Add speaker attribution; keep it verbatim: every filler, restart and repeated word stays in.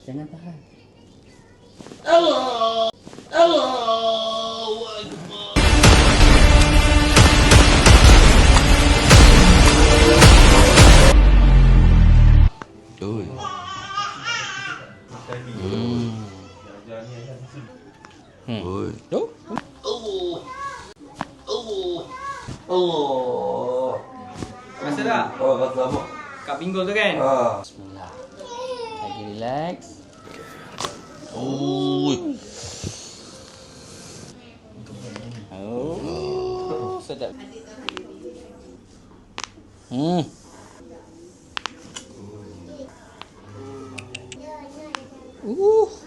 Speaker 1: Jangan tahan.
Speaker 2: Allah. Allahu Akbar.
Speaker 1: Oi. Hmm. Hmm. Oi. Oh.
Speaker 2: Allah. Allah. Allah.
Speaker 3: Rasa tak?
Speaker 2: Oh, rasa apa?
Speaker 3: Kat pinggul tu kan?
Speaker 2: Ah.
Speaker 1: Bismillah. Lagi relax. Oi. Oh. Sedap. Hmm. Uh.